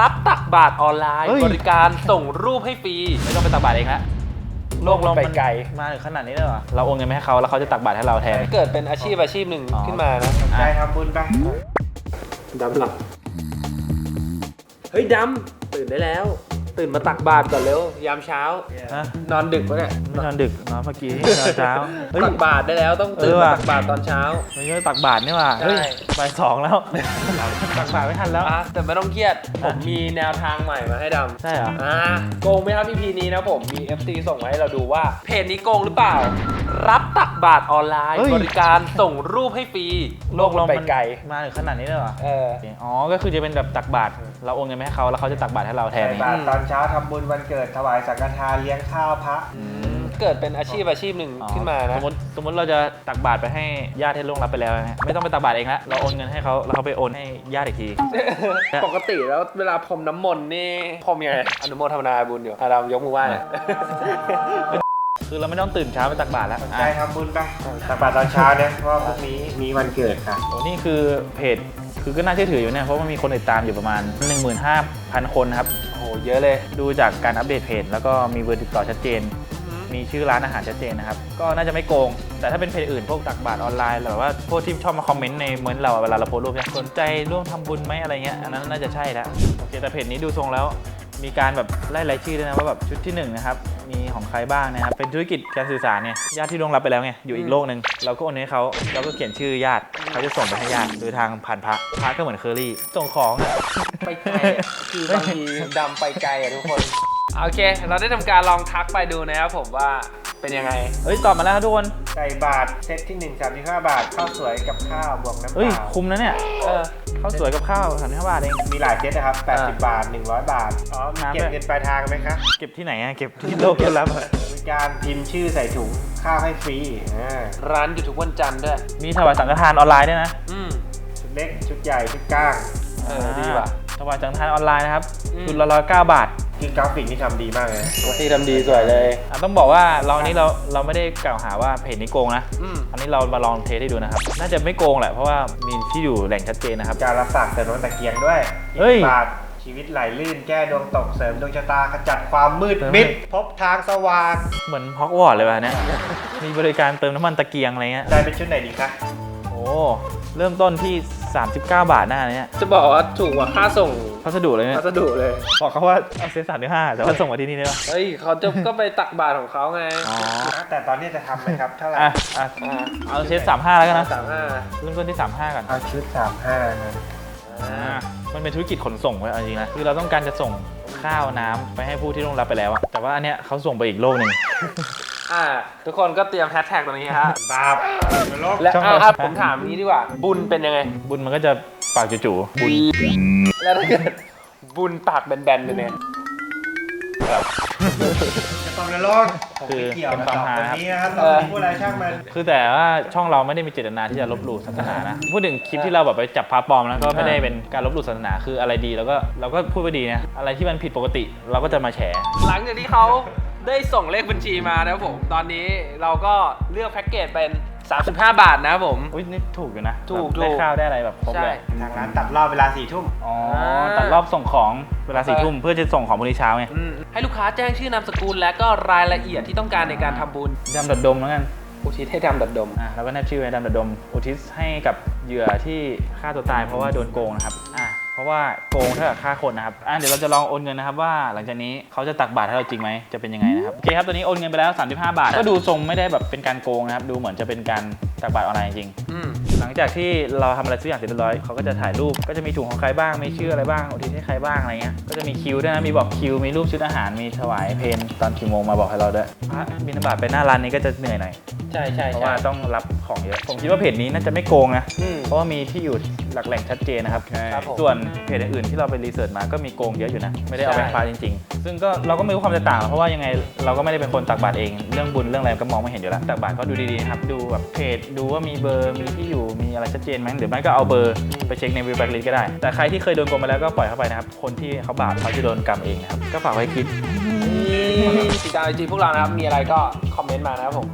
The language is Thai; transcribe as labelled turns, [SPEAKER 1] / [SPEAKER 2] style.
[SPEAKER 1] รับตักบาตรออนไลน์บริการส่งรูปให้ฟรีไม่ต้องไปตักบาตรเองละโลกเราไปไกล
[SPEAKER 2] มาถึงขนาดนี้เลยเหรอเราโอนเงินไปให้เขาแล้วเขาจะตักบาตรให้เราแทน
[SPEAKER 1] เกิดเป็นอาชีพหนึ่งขึ้นมานะ
[SPEAKER 3] ใจทำบุญไป
[SPEAKER 1] ดำหลับเฮ้ยดำตื่นได้แล้วตื่นมาตักบาตรก่อนเร็วยามเช้านอนดึกปะเนี่ย
[SPEAKER 2] ไม่นอนดึกนอนเมื่อกี้นอนเช้า
[SPEAKER 1] ตักบาตรได้แล้วต้องตื่นมาตักบาตรตอนเช้า
[SPEAKER 2] ไม่ใช่ตักบาตรนี่หว่าเฮ้ยบ่ายสองแล้วตักบาตรไม่ทันแล้ว
[SPEAKER 1] แต่ไม่ต้องเครียดผมมีแนวทางใหม่มาให้ดำ
[SPEAKER 2] ใช่เหรอ
[SPEAKER 1] โกงไหมครับ EP นี้นะผมมี FC ส่งมาให้เราดูว่าเพจนี้โกงหรือเปล่ารับตักบาตรออนไลน์บริการส่งรูปให้ฟรี
[SPEAKER 2] โลกเราไปไกลมาถึงขนาดนี้เลยเหรออ๋อก็คือจะเป็นแบบตักบาตรเราโอนเงินไปให้เขาแล้วเขาจะตักบาตรให้เราแทน
[SPEAKER 3] บาตรตอนเช้าทำบุญวันเกิดถวายสังฆทานเลี้ยงข้าวพระ
[SPEAKER 1] เกิดเป็นอาชีพหนึ่งขึ้นมานะ
[SPEAKER 2] สมมติเราจะตักบาตรไปให้ญาติที่ล่วงลับไปแล้วไม่ต้องไปตักบาตรเองละเราโอนเงินให้เขาแล้วเขาไปโอนให้ญาติอีกที
[SPEAKER 1] ปกติแล้วเวลาพรมน้ำมนต์นี่พรมยังไงอนุโมทนาบุญอยู่เรายกมือไหว้
[SPEAKER 2] คือเราไม่ต้องตื่นเช้าไปตักบาตรแล้ว
[SPEAKER 3] ใจทำบุญไปตักบาตรตอนเช้าเนี่ยเพราะพรุ่งนี้มีวันเกิดค่ะ
[SPEAKER 2] โอ้นี่คือเพจคือก็น่าเชื่อถืออยู่เนี่ยเพราะว่ามีคนติดตามอยู่ประมาณ 15,000 คนครับ
[SPEAKER 1] โอ้โหเยอะเลย
[SPEAKER 2] ดูจากการอัปเดตเพจแล้วก็มีเบอร์ติดต่อชัดเจนมีชื่อร้านอาหารชัดเจนนะครับก็น่าจะไม่โกงแต่ถ้าเป็นเพจอื่นพวกตักบาตรออนไลน์หรือว่าพวกที่ชอบมาคอมเมนต์ในเมนต์เราเวลาเราโพสต์รูปสนใจร่วมทำบุญไหมอะไรเงี้ยอันนั้นน่าจะใช่แล้วโอเคแต่เพจนี้ดูทรงแล้วมีการแบบไล่รายชื่อด้วยนะว่าแบบชุดที่1นะครับมีของใครบ้างนะครับเป็นธุรกิจการสื่อสารเนี่ยญาติที่ล่วงลับไปแล้วไงอยู่อีกโลกนึงเราก็โอนให้เขาเราก็เขียนชื่อญาติเขาจะส่งไปให้ญาติโดยทางผ่านพระก็เหมือนเคอรี่ส่งของ
[SPEAKER 1] ไปไกลคือบางทีดำไปไกลทุกคนโอเคเราได้ทำการลองทักไปดูนะครับผมว่าเป็นยังไง
[SPEAKER 2] ตอบมาแล้วทุกคน
[SPEAKER 3] ใส่บาทเซตที่1 35 บาทข้าวสวยกับข้าวบวกน้ำเปล่า
[SPEAKER 2] คุ้มนะเนี่ยข้าวสวยกับข้าว35 บาทเอง
[SPEAKER 3] มีหลายเซตนะครับ80 บาท100 บาทมีเก็บเงินปลายทางไหมคะ
[SPEAKER 2] เก็บที่ไหนเก็บที่โลกเก็บรั
[SPEAKER 3] บริการพิมพ์ชื่อใส่ถุงข้าวให้ฟรี
[SPEAKER 1] ร้านอยู่ทุกวันจันทร์ด้วย
[SPEAKER 2] มีถวายสังฆทานออนไลน์ด้วยนะ
[SPEAKER 3] ชุดเล็กชุดใหญ่ชุดก้าง
[SPEAKER 1] ดีว่ะ
[SPEAKER 2] ถวายสังฆทานออนไลน์นะครับชุดละ109 บาท
[SPEAKER 3] คือกราฟิกนี่ทำดีมากเลย
[SPEAKER 1] ที่ทำดีสวยเลย
[SPEAKER 2] ต้องบอกว่าเรานี้เราไม่ได้กล่าวหาว่าเพจนี้โกงนะอันนี้เรามาลองเทสให้ดูนะครับน่าจะไม่โกงแหละเพราะว่ามีที่อยู่แหล่งชัดเจนนะครับ
[SPEAKER 3] การรับฝากเสริมดวงตะเกียงด้วยบาทชีวิตไหลลื่นแก้ดวงตกเสริมดวงชะตาขจัดความมืดมิดพบทางสว่าง
[SPEAKER 2] เหมือนฮอกวอตส์เลยว่ะเนี่ยมีบริการเติมน้ำมันตะเกียงอะไรเงี้ย
[SPEAKER 3] ได้เป็นชุดไหนดีคะ
[SPEAKER 2] โอ้เริ่มต้นที่39 บาทหน้าเนี่ย
[SPEAKER 1] จะบอกว่าถูกกว่าค่าส่ง
[SPEAKER 2] พัสดุเลยเนี่ย
[SPEAKER 1] พัสดุเลย
[SPEAKER 2] บอกเขาว่าเอาเซต35แต่ว่าส่งมาที่นี่ได้ปะ
[SPEAKER 1] เขาจะก็ไปตักบาตรของเขาไง
[SPEAKER 3] แต่ตอนนี้จะทำไหมครับเท่าไหร่
[SPEAKER 2] เอาเซต35แล้วกันนะเริ่มต้นที่35ก่อน
[SPEAKER 3] เอาชุด35นะ
[SPEAKER 2] มันเป็นธุรกิจขนส่งไว้จริงๆนะคือเราต้องการจะส่งข้าวน้ำไปให้ผู้ที่ล่วงลับไปแล้วแต่ว่าอันเนี้ยเขาส่งไปอีกโลกนึง
[SPEAKER 1] ทุกคนก็เตรียมแฮชแท็กตรงนี้ฮะ
[SPEAKER 3] บาป
[SPEAKER 1] และผมถามนี้ดีกว่าบุญเป็นยังไง
[SPEAKER 2] บุญมันก็จะปากจู่ๆบุญ
[SPEAKER 1] แล้วถ้าเกิดบุญปากแบนๆเป็นไง
[SPEAKER 3] จะตอบในโลกคือเป็นความฮาครับพูดอะไรช่างมัน
[SPEAKER 2] คือแต่ว่าช่องเราไม่ได้มีเจตนาที่จะลบหลู่ศาสนานะพูดถึงคลิปที่เราแบบไปจับพระปลอมนะก็ไม่ได้เป็นการลบหลู่ศาสนาคืออะไรดีเราก็พูดไปดีนะอะไรที่มันผิดปกติเราก็จะมาแฉ
[SPEAKER 1] หลังจากที่เขาได้ส่งเลขบัญชีมานะครับผมตอนนี้เราก็เลือกแพ็กเกจเป็น35 บาทนะครับผม
[SPEAKER 2] นี่ถูกอยู่นะ
[SPEAKER 1] ถูก
[SPEAKER 2] ได้ข้าวได้อะไรแบบครบเลย
[SPEAKER 3] ทางร้านตัดรอบเวลา4 ทุ่ม
[SPEAKER 2] ตัดรอบส่งของเวลา4 ทุ่มเพื่อจะส่งของพรุ่งนี้เช้าไง
[SPEAKER 1] ให้ลูกค้าแจ้งชื่อนามสกุลและก็รายละเอียดที่ต้องการในการทำบุญ
[SPEAKER 2] ดำดัดดมแล้วกัน
[SPEAKER 1] อุทิศให้ดำดัดดม
[SPEAKER 2] แล้วก็แนบชื่อไว้ดำดัดดมอุทิศให้กับเหยื่อที่ฆ่าตัวตายเพราะว่าโดนโกงนะครับเพราะว่าโกงเท่ากับฆ่าคนนะครับเดี๋ยวเราจะลองโอนเงินนะครับว่าหลังจากนี้เขาจะตักบาตรให้เราจริงไหมจะเป็นยังไงนะครับโอเคครับตอนนี้โอนเงินไปแล้ว35 บาทก็ดูทรงไม่ได้แบบเป็นการโกงนะครับดูเหมือนจะเป็นการตักบาตรออนไลน์จริงหลังจากที่เราทำอะไรสักอย่างเสร็จเรียบร้อยเขาก็จะถ่ายรูปก็จะมีถุงของใครบ้างมีชื่ออะไรบ้างอุทิศให้ใครบ้างอะไรเงี้ยก็จะมีคิวด้วยนะมีบอกคิวมีรูปชุดอาหารมีถวายเพลตอนกี่โมงมาบอกให้เราด้วยบิณฑบาตไปหน้าร้านนี้ก็จะเหนื่อยหน่อย
[SPEAKER 1] ใช่
[SPEAKER 2] เพราะว่าต้องรับของเยอะผมคิดว่าเพจนี้น่าจะไม่โกงนะเพราะว่ามีที่อยู่หลักแหล่งชัดเจนนะครับส่วนเพจอื่นที่เราไปรีเสิร์ชมาก็มีโกงเยอะอยู่นะไม่ได้เอาไปฟ้าจริงๆซึ่งก็เราก็ไม่รู้ความแตกต่างเพราะว่ายังไงเราก็ไม่ได้เป็นคนตักบาตรเองเรื่องบุญเรื่องอะไรก็มองไม่เห็นอยู่แล้วตักบาตรก็ดูดีๆนะครับดูแบบเพจดูว่ามีเบอร์มีที่อยู่มีอะไรชัดเจนไหมหรือไม่ก็เอาเบอร์ไปเช็คในวิวแบ็กลิสต์ก็ได้แต่ใครที่เคยโดนโกงมาแล้วก็ปล่อยเข้าไปนะครับคนที่เขาบาปเขาจะโดนกรรมเองนะครับก็ฝากไว้คิด
[SPEAKER 1] ติดตามไอจีพวกเรานะครับมีอะไรก็คอมเมนต์มานะครับผม